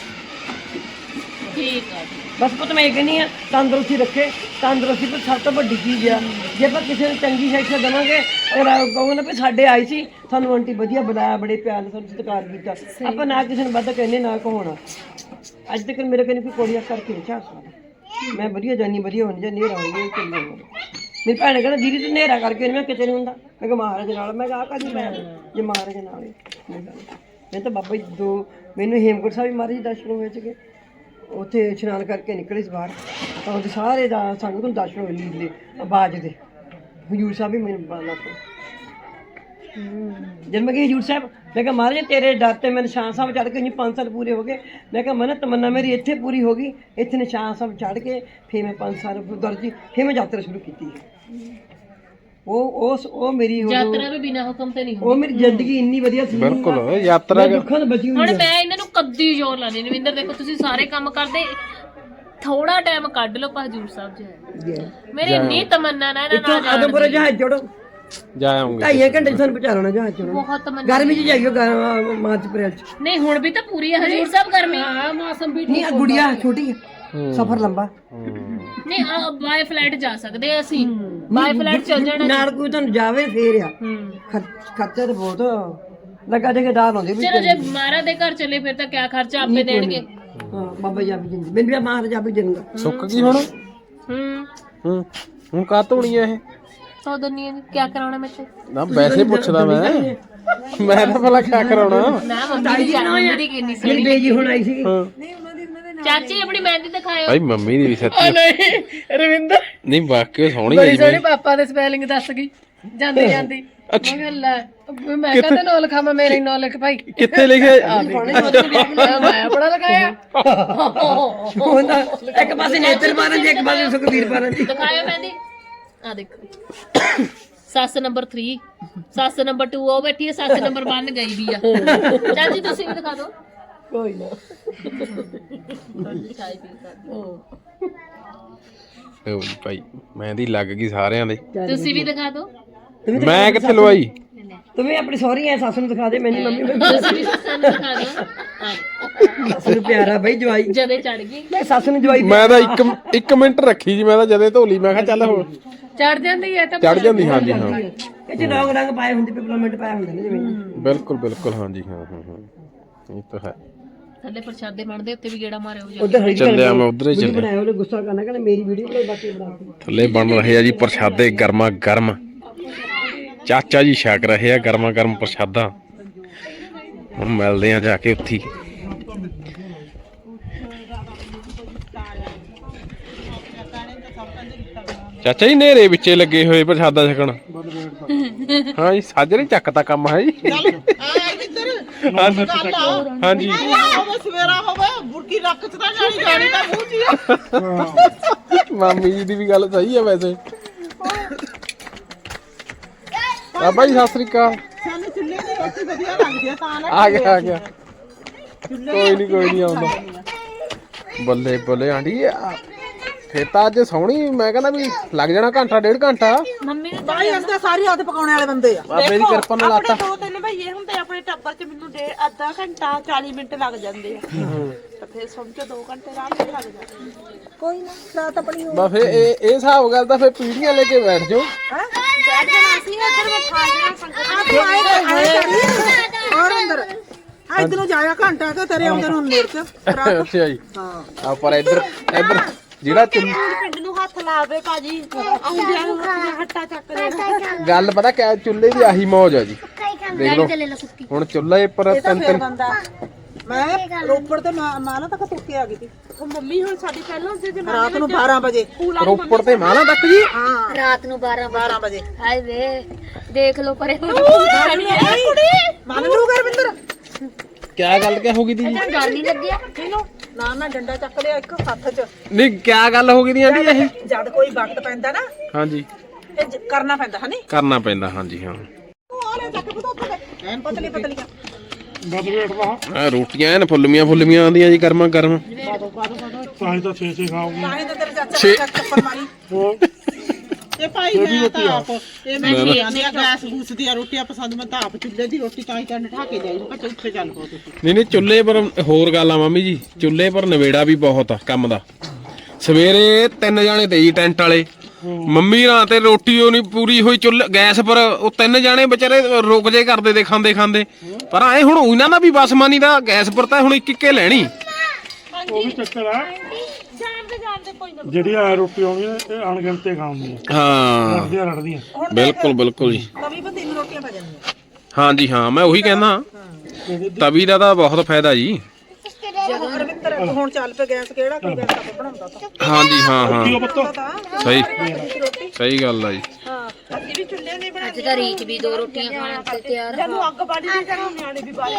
ਠੀਕ ਆ ਬਸ ਪੁੱਤ ਮੈਂ ਇਹ ਕਹਿੰਦੀ ਆ ਤੰਦਰੁਸਤੀ ਰੱਖੇ ਤੰਦਰੁਸਤੀ ਪਰ ਸਭ ਤੋਂ ਵੱਡੀ ਚੀਜ਼ ਆ ਜੇ ਆਪਾਂ ਕਿਸੇ ਨੂੰ ਚੰਗੀ ਸਿੱਖਿਆ ਦੇਵਾਂਗੇ ਔਰ ਕਹੋਗੇ ਨਾ ਵੀ ਸਾਡੇ ਆਈ ਸੀ ਸਾਨੂੰ ਆਂਟੀ ਵਧੀਆ ਬੁਲਾਇਆ ਬੜੇ ਪਿਆਰ ਨਾਲ ਸਾਨੂੰ ਸਤਿਕਾਰ ਕੀਤਾ ਆਪਾਂ ਨਾ ਕਿਸੇ ਨੂੰ ਵੱਧ ਕਹਿੰਦੇ ਨਾ ਕਹਾਉਣਾ ਅੱਜ ਤੱਕ ਮੇਰੇ ਕੋਲ ਕੋਈ ਕੋੜੀਆਂ ਕਰਕੇ ਨਹੀਂ ਸਕਦਾ ਮੈਂ ਵਧੀਆ ਜਾਨੀ ਵਧੀਆ ਹੋਣੀ ਜਾਂ ਨੇਰਾ ਹੋਣੀ ਚੱਲੀ ਜਾਂਦਾ ਮੇਰੀ ਭੈਣ ਕਹਿੰਦਾ ਦੀਦੀ ਤੂੰ ਨੇਰਾ ਕਰਕੇ ਮੈਂ ਕਿਤੇ ਨਹੀਂ ਹੁੰਦਾ ਮੈਂ ਕਿਹਾ ਮਹਾਰਾਜ ਨਾਲ ਮੈਂ ਕਿਹਾ ਆ ਕਾਹਦੀ ਭੈਣ ਜੇ ਮਹਾਰਾਜ ਨਾਲ ਮੈਂ ਤਾਂ ਬਾਬਾ ਜੀ ਦੋ ਮੈਨੂੰ ਹੇਮਕੁੰਟ ਸਾਹਿਬ ਮਹਾਰਾਜ ਜੀ ਦਰਸ਼ਨ ਹੋਏ ਸੀਗੇ ਉੱਥੇ ਇਸ਼ਨਾਨ ਕਰਕੇ ਨਿਕਲੇ ਸੀ ਬਾਹਰ ਤਾਂ ਉਹਦੇ ਸਾਰੇ ਦਾ ਸਾਨੂੰ ਤੋਂ ਦਰਸ਼ਨ ਹੋਏ ਲੀਲੇ ਆਵਾਜ਼ ਦੇ ਹਜੂਰ ਸਾਹਿਬ ਵੀ ਮੈਨੂੰ ਬਾਲਾ ਤੋਂ ਜਦ ਮੈਂ ਕਿਹਾ ਹਜੂਰ ਸਾਹਿਬ ਮੈਂ ਕਿਹਾ ਮਹਾਰਾਜ ਤੇਰੇ ਡਰ ਤੇ ਮੈਂ ਨਿਸ਼ਾਨ ਸਾਹਿਬ ਚੜ੍ਹ ਕੇ ਜੀ ਪੰਜ ਸਾਲ ਪੂਰੇ ਹੋ ਗਏ ਮੈਂ ਕਿਹਾ ਮਨ ਤਮੰਨਾ ਮੇਰੀ ਇੱਥੇ ਪੂਰੀ ਹੋ ਗਈ ਇੱਥੇ ਨਿਸ਼ਾਨ ਸਾਹਿਬ ਚੜ੍ਹ ਕੇ ਫਿਰ ਮੈਂ ਪੰਜ ਸਾਲ ਦਰਜੀ ਫਿਰ ਮੈਂ ਯਾਤਰਾ ਸ਼ੁਰੂ ਕੀਤੀ ਉਹ ਉਸ ਉਹ ਮੇਰੀ ਯਾਤਰਾ ਵੀ ਬਿਨਾਂ ਹੁਕਮ ਤੇ ਨਹੀਂ ਉਹ ਮੇਰੀ ਜ਼ਿੰਦਗੀ ਇੰਨੀ ਵਧੀਆ ਸੀ ਬਿਲਕੁਲ ਯਾਤਰਾ ਦੁੱਖਾਂ ਤੋਂ ਬਚੀ ਹੋਈ ਹੁਣ ਮੈਂ ਇਹਨਾਂ ਨੂੰ ਕੱਦੀ ਜ਼ੋਰ ਲਾਣੀ ਨਵਿੰਦਰ ਦੇਖੋ ਤੁਸੀਂ ਸਾਰੇ ਕੰਮ ਕਰਦੇ ਥੋੜਾ ਟਾਈਮ ਕੱਢ ਲਓ ਹਜੂਰ ਸਾਹਿਬ ਜਾਏ ਮੇਰੀ ਇੰਨੀ ਤਮੰਨਾ ਨਾ ਇਹਨਾਂ ਨਾਲ ਆਦਮਪੁਰ ਜਹਾਜ਼ ਚੜੋ ਜਾ ਆਉਂਗੇ ਢਾਈ ਘੰਟੇ ਚ ਸਾਨੂੰ ਪਹੁੰਚਾ ਲੈਣਾ ਜਹਾਜ਼ ਚੜੋ ਬਹੁਤ ਤਮੰਨਾ ਗਰਮੀ ਚ ਜਾਈਓ ਗ- ਮਾਰਚ ਅਪ੍ਰੈਲ ਚ ਨਹੀਂ ਹੁਣ ਵੀ ਤਾਂ ਪੂਰੀ ਹੈ ਹਜੂਰ ਸਾਹਿਬ ਗਰਮੀ ਹਾਂ ਮੌਸਮ ਵੀ ਨਹੀਂ ਆ ਗੁੜੀਆ ਛੋਟੀ ਹੈ ਸਫ਼ਰ ਲੰਬਾ ਨਹੀਂ ਬਾਈ ਫਲਾਈਟ ਜਾ ਸਕਦੇ ਆ ਅਸੀਂ ਬਾਈ ਫਲਾਈਟ ਚੱਲ ਜਾਣਾ ਨਾਲ ਕੋਈ ਤੁਹਾਨੂੰ ਜਾਵੇ ਫੇਰ ਆ ਹੂੰ ਖਰ- ਖਰਚਾ ਤਾਂ ਬਹੁਤ ਲੱਗਾ ਠੇਕੇਦਾਰ ਹੁੰਦੇ ਵੀ ਚਲੋ ਜੇ ਮਹਾਰਾਜ ਦੇ ਘਰ ਚੱਲੇ ਫਿਰ ਤਾਂ ਕਿਆ ਖਰਚਾ ਆਪੇ ਦੇਣਗੇ ਹਾਂ ਬਾਬਾ ਜੀ ਆਪੀ ਜਿੰਦ ਮੈਨੂੰ ਵੀ ਮਹਾਰਾਜ ਆਪੀ ਜਿੰਦਾ ਸੁੱਕ ਗਈ ਹੁਣ ਹੂੰ ਹੂੰ ਹੁਣ ਕਾਹ ਧੋਣੀ ਆ ਇਹ ਸੌ ਦੰਨੀ ਕਿਆ ਕਰਾਉਣਾ ਮੇਰੇ ਤੇ ਨਾ ਵੈਸੇ ਪੁੱਛਦਾ ਮੈਂ ਮੈਂ ਤਾਂ ਭਲਾ ਕਿਆ ਕਰਾਉਣਾ ਨਾ ਮੰਮੀ ਦੀ ਜਨਮ ਦੀ ਕਿੰਨੀ ਸੀ ਜਿਹੜੀ ਬੇਜੀ ਹੁਣ ਆਈ ਸੀ ਚਾਚੀ ਆਪਣੀ ਮਹਿੰਦੀ ਦਿਖਾਇਓ ਭਾਈ ਮੰਮੀ ਦੀ ਵੀ ਸੱਚੀ ਨਹੀਂ ਰਵਿੰਦਰ ਨਹੀਂ ਵਾਕਿਆ ਸੋਹਣੀ ਹੈ ਜੀ ਸੋਹਣੀ ਪਾਪਾ ਦੇ ਸਪੈਲਿੰਗ ਦੱਸ ਗਈ ਜਾਂਦੀ ਜਾਂਦੀ ਮੈਂ ਕਿਹਾ ਲੈ ਮੈਂ ਕਹਿੰਦਾ ਨੋ ਲਿਖਾਵਾਂ ਮੇਰੇ ਨੋ ਲਿਖ ਭਾਈ ਕਿੱਥੇ ਲਿਖਿਆ ਮੈਂ ਬੜਾ ਲਗਾਇਆ ਹੁੰਦਾ ਇੱਕ ਪਾਸੇ ਨੇਤਰ ਮਾਰਨ ਦੀ ਇੱਕ ਪਾਸੇ ਸੁਖਬੀਰ ਮਾਰਨ ਦੀ ਦਿਖਾਇਓ ਮਹਿੰਦੀ ਆ ਦੇਖੋ ਸੱਸ ਨੰਬਰ ਤਿੰਨ ਸੱਸ ਨੰਬਰ ਦੋ ਉਹ ਬੈਠੀ ਹੈ ਸੱਸ ਨੰਬਰ ਇੱਕ ਗਈ ਵੀ ਆ ਚਾਚੀ ਤੁਸੀਂ ਵੀ ਦਿਖਾ ਦਿਓ ਕੋਈ ਨਾ ਚਾय ਪੀ ਕਰ ਲਓ ਜੀ ਭਾਈ ਮਹਿੰਦੀ ਲੱਗ ਗਈ ਸਾਰਿਆਂ ਦੇ ਤੁਸੀਂ ਵੀ ਦਿਖਾ ਦਿਓ ਮੈਂ ਕਿੱਥੇ ਲਵਾਈ ਤੂੰ ਵੀ ਆਪਣੀ ਸਹੁਰੀ ਐ ਸੱਸ ਨੂੰ ਦਿਖਾ ਦੇ ਮੈਨੂੰ ਮੰਮੀ ਤੁਸੀਂ ਵੀ ਸੱਸ ਨੂੰ ਦਿਖਾ ਦਿਓ ਆ ਸੱਸ ਨੂੰ ਪਿਆਰਾ ਬਈ ਜਵਾਈ ਜਦੇ ਚੜ ਗਈ ਸੱਸ ਨੂੰ ਜਵਾਈ ਮੈਂ ਤਾਂ ਇੱਕ ਇੱਕ ਮਿੰਟ ਰੱਖੀ ਜੀ, ਮੈਂ ਤਾਂ ਜਦੇ ਧੋਲੀ, ਮੈਂ ਕਿਹਾ ਚੱਲ ਹੋ ਚੜ ਜਾਂਦੀ ਹੈ ਤਾਂ ਚੜ ਜਾਂਦੀ। ਹਾਂਜੀ ਹਾਂ ਇਹ ਚ ਰੰਗ ਰੰਗ ਪਾਏ ਹੁੰਦੇ ਪੇਪਰਮੈਂਟ ਪਾਏ ਹੁੰਦੇ ਨੇ ਜਿਵੇਂ ਬਿਲਕੁਲ ਬਿਲਕੁਲ ਹਾਂਜੀ ਹਾਂ ਹਾਂ ਹਾਂ ਇਹ ਤਾਂ ਹੈ। ਥੱਲੇ ਪ੍ਰਸ਼ਾਦੇ ਬਣਦੇ ਉੱਤੇ ਵੀ ਗੇੜਾ ਮਾਰਿਓ ਜਾ ਉਧਰ ਹਰੀ ਚੱਲਿਆ ਮੈਂ ਉਧਰ ਹੀ ਵੀਡੀਓ ਚੱਲਿਆ। ਬਣਾਇਆ ਉਹਨੇ ਗੁੱਸਾ ਕਰਨਾ ਕਹਿੰਦਾ ਮੇਰੀ ਵੀਡੀਓ ਬਣਾਈ ਬਾਕੀ ਬਣਾ ਥੱਲੇ ਬਣ ਰਹੇ ਆ ਜੀ ਪ੍ਰਸ਼ਾਦੇ ਗਰਮਾ ਗਰਮ, ਚਾਚਾ ਜੀ ਛਕ ਰਹੇ ਆ ਗਰਮਾ ਗਰਮ ਪ੍ਰਸ਼ਾਦਾ। ਹੁਣ ਮਿਲਦੇ ਆ ਜਾ ਕੇ ਉੱਥੇ। ਚਾਚਾ ਜੀ ਨੇਰੇ ਵਿੱਚੇ ਲੱਗੇ ਹੋਏ ਪ੍ਰਸ਼ਾਦਾ ਛਕਣ। ਹਾਂ ਜੀ ਸਾਜਰੇ ਚੱਕਦਾ ਕੰਮ ਹੈ ਜੀ। ਹਾਂਜੀ ਹੋਵੇ ਸਵੇਰਾ ਹੋਵੇ ਬੁਰਕੀ ਰੱਖ ਚ ਤਾਂ ਜਾਣੀ ਜਾਣੀ ਤਾਂ ਮੂੰਹ ਚ ਹੀ ਆ। ਮਾਮੀ ਜੀ ਦੀ ਵੀ ਗੱਲ ਸਹੀ ਹੈ ਵੈਸੇ। ਬਾਬਾ ਜੀ ਸਤਿ ਸ੍ਰੀ ਅਕਾਲ। ਸਾਨੂੰ ਚੁੱਲ੍ਹੇ ਦੀ ਰੋਟੀ ਵਧੀਆ ਲੱਗਦੀ ਆ ਤਾਂ ਨਾ ਆ ਗਿਆ ਆ ਗਿਆ ਕੋਈ ਨਹੀਂ ਕੋਈ ਨਹੀਂ ਆਉਂਦਾ। ਬੱਲੇ ਬੱਲੇ ਆਂਟੀ ਫੇਰ ਤਾਂ ਅੱਜ ਸੋਹਣੀ, ਮੈਂ ਕਹਿੰਦਾ ਵੀ ਲੱਗ ਜਾਣਾ ਘੰਟਾ ਡੇਢ ਘੰਟਾ। ਮੰਮੀ ਨੇ ਬਾਈ ਅੰਦਰ ਸਾਰੀ ਰਾਤ ਪਕਾਉਣੇ ਵਾਲੇ ਬੰਦੇ ਆ। ਬਾਬੇ ਦੀ ਕਿਰਪਾ ਨਾਲ ਆਟਾ ਦੋ ਤਿੰਨ ਭਈਏ ਹੁੰਦੇ ਆਪਣੇ ਟੱਬਰ ਚ, ਮੈਨੂੰ ਡੇ ਅੱਧਾ ਘੰਟਾ ਚਾਲੀ ਮਿੰਟ ਲੱਗ ਜਾਂਦੇ ਆ ਤਾਂ ਫਿਰ ਸਮਝੋ ਦੋ ਘੰਟੇ ਆਰਾਮ ਨਾਲ ਲੱਗ ਜਾਂਦੇ ਆ। ਕੋਈ ਨਾ ਰਾਤ ਆਪਣੀ ਬਸ ਫੇਰ ਇਹ ਇਹ ਹਿਸਾਬ ਗੱਲ ਤਾਂ ਫੇਰ ਪੀੜੀਆਂ ਲੈ ਕੇ ਬੈਠ ਜਾਓ। ਬੈਠ ਜਾਣਾ ਸੀ ਉੱਧਰ ਮੈਂ ਖਾ ਜਾਣਾ ਸੰਗਤ ਆ ਤੂੰ ਆਏ ਆਏ ਕਰੀ ਔਰ ਅੰਦਰ ਆ ਇਧਰੋਂ ਜਾਇਆ ਘੰਟਾ ਤੇ ਤੇਰੇ ਆਉਂਦੇ ਨੂੰ ਨੇੜ ਚ ਅੱਛਾ ਜੀ ਹਾਂ ਆ ਪਰ ਇੱਧਰ ਇੱਧਰ ਜਿਹੜਾ ਚੁੱਲ੍ਹ ਪਿੰਡ ਨੂੰ ਹੱਥ ਲਾਵੇ ਭਾਜੀ, ਆਉਂਦਿਆਂ ਨੂੰ ਹੱਟਾ ਚੱਕ ਲੈਣਾ। ਗੱਲ ਪਤਾ ਕਿਆ, ਚੁੱਲ੍ਹੇ ਦੀ ਆਹੀ ਮੌਜ ਆ ਜੀ। ਦੇਖ ਲਓ ਹੁਣ ਚੁੱਲ੍ਹੇ ਪਰ ਤਿੰਨ ਫੇਰ ਤਿੰਨ ਬੰਦਾ ਮੈਂ ਰੋਪੜ ਤੇ ਮਾਲਾ ਤੱਕ ਤੁਰ ਕੇ ਆ ਗਈ ਸੀ ਉਹ ਮੰਮੀ ਹੁਣ ਸਾਡੀ ਪਹਿਲਾਂ ਦੇ ਜਮਾਨੇ ਰਾਤ ਨੂੰ ਬਾਰਾਂ ਵਜੇ। ਰੋਪੜ ਤੇ ਮਾਲਾ ਤੱਕ ਜੀ। ਹਾਂ ਰਾਤ ਨੂੰ ਬਾਰਾਂ ਬਾਰਾਂ ਵਜੇ ਹਾਏ ਵੇ ਦੇਖ ਲਓ ਪਰੇ ਮੰਨ ਲੂ ਗੁਰਵਿੰਦਰ ਕਿਆ ਗੱਲ ਕਿਆ ਹੋ ਗਈ ਦੀ ਜੀ? ਡਰ ਨਹੀਂ ਲੱਗਿਆ ਨਾ ਨਾ ਡੰਡਾ ਚੱਕ ਲਿਆ ਇੱਕ ਹੱਥ 'ਚ। ਨਹੀਂ ਕਿਆ ਗੱਲ ਹੋ ਗਈ ਦੀ ਆਂਟੀ ਇਹ? ਜਦ ਕੋਈ ਵਕਤ ਪੈਂਦਾ ਨਾ ਹਾਂਜੀ ਤੇ ਜ- ਕਰਨਾ ਪੈਂਦਾ ਹਨੀ। ਕਰਨਾ ਪੈਂਦਾ ਹਾਂਜੀ ਹਾਂ। ਆ ਲੈ ਚੱਕ ਬਤਾ ਉੱਥੇ ਐਨ ਪਤਲੀ ਪਤਲੀਆਂ ਬਦ ਵੇਟਦਾ ਆ ਰੋਟੀਆਂ ਐਨ ਫੁੱਲਮੀਆਂ ਫੁੱਲਮੀਆਂ ਆਉਂਦੀਆਂ ਜੀ ਗਰਮਾ ਗਰਮ। ਤਾਂ ਹੀ ਤਾਂ ਛੇ ਛੇ ਖਾਓਗੇ। ਤਾਂ ਹੀ ਤਾਂ ਤੇਰੇ ਚਾਚਾ ਛੇ- ਨੇ ਚੱਕ ਚੱਪਲ ਮਾਰੀ। ਇਹ ਭਾਈ ਮੈਂ ਤਾਂ ਆਪ ਇਹ ਮੈਂ ਕੀ ਆਂਦੀ ਆ ਗੈਸ ਗੂਸ ਦੀਆਂ ਰੋਟੀਆਂ ਪਸੰਦ, ਮੈਂ ਤਾਂ ਆਪ ਚੁੱਲ੍ਹੇ ਦੀ ਰੋਟੀ ਤਾਂ ਹੀ ਤਾਂ ਠਾ ਕੇ ਜਾਈ ਮੈਂ ਉੱਥੇ ਚੱਲ ਪੋ ਤੁਸੀਂ। ਨਹੀਂ ਨਹੀਂ ਚੁੱਲ੍ਹੇ ਪਰ ਹੋਰ ਗੱਲ ਆ ਮਾਮੀ ਜੀ, ਚੁੱਲ੍ਹੇ ਪਰ ਨਵੇੜਾ ਵੀ ਬਹੁਤ ਆ ਕੰਮ ਦਾ। ਸਵੇਰੇ ਤਿੰਨ ਜਾਣੇ ਤੇ ਜੀ ਟੈਂਟ ਵਾਲੇ, ਮੰਮੀ ਰਾਂ ਤੇ ਰੋਟੀ ਉਹ ਨਹੀਂ ਪੂਰੀ ਹੋਈ ਚੁੱਲ੍ਹੇ ਗੈਸ ਪਰ, ਉਹ ਤਿੰਨ ਜਾਣੇ ਵਿਚਾਰੇ ਰੁਕ ਜੇ ਕਰਦੇ ਦੇ ਖਾਂਦੇ ਖਾਂਦੇ। ਪਰ ਐ ਹੁਣ ਉਹਨਾਂ ਦਾ ਵੀ ਬਸਮਾਨੀ ਦਾ ਗੈਸ ਪਰ ਤਾਂ ਹੁਣ ਇੱਕ ਇੱਕੇ ਲੈਣੀ। ਉਹ ਵੀ ਚੱਕਰ ਆ ਜਾਣਦੇ ਜਾਣਦੇ ਕੋਈ ਨਾ ਜਿਹੜੀ ਆ ਰੋਟੀ ਆਉਣੀ ਆ, ਇਹ ਅਣਗਿਣਤੇ ਖਾਉਂਦੀਆਂ ਹਾਂ ਰੜਦੀਆਂ ਰੜਦੀਆਂ। ਬਿਲਕੁਲ ਬਿਲਕੁਲ ਜੀ। ਤਵੀ ਪਰ ਤਿੰਨ ਰੋਟੀਆਂ ਪੈ ਜਾਂਦੀਆਂ। ਹਾਂਜੀ ਹਾਂ ਮੈਂ ਉਹੀ ਕਹਿੰਦਾ, ਤਵੀ ਦਾ ਤਾਂ ਬਹੁਤ ਫਾਇਦਾ ਜੀ। ਜਦੋਂ ਗੁਰਵਿੰਦਰ ਹੁਣ ਚੱਲ ਪਏ ਗੈਸ, ਕਿਹੜਾ ਕੋਈ ਗੈਸ ਆਪਾਂ ਬਣਾਉਂਦਾ ਤਾਂ ਹਾਂਜੀ ਹਾਂ ਹਾਂ ਕੀ ਪਤਾ ਤਾਂ ਸਹੀ ਸਹੀ ਗੱਲ ਆ ਜੀ। ਹਾਂ ਅਸੀਂ ਵੀ ਚੁੱਲ੍ਹੇ ਨਹੀਂ ਬਣਾਉਂਦੇ। ਅੱਜ ਤਾਂ ਰੀਚ ਵੀ ਦੋ ਰੋਟੀਆਂ ਖਾਣ ਤੇ ਤਿਆਰ ਜਦੋਂ ਅੱਗ ਬਾੜੀ ਦੀ ਜਦੋਂ ਨਿਆਣੇ ਵੀ ਬਾਹਰ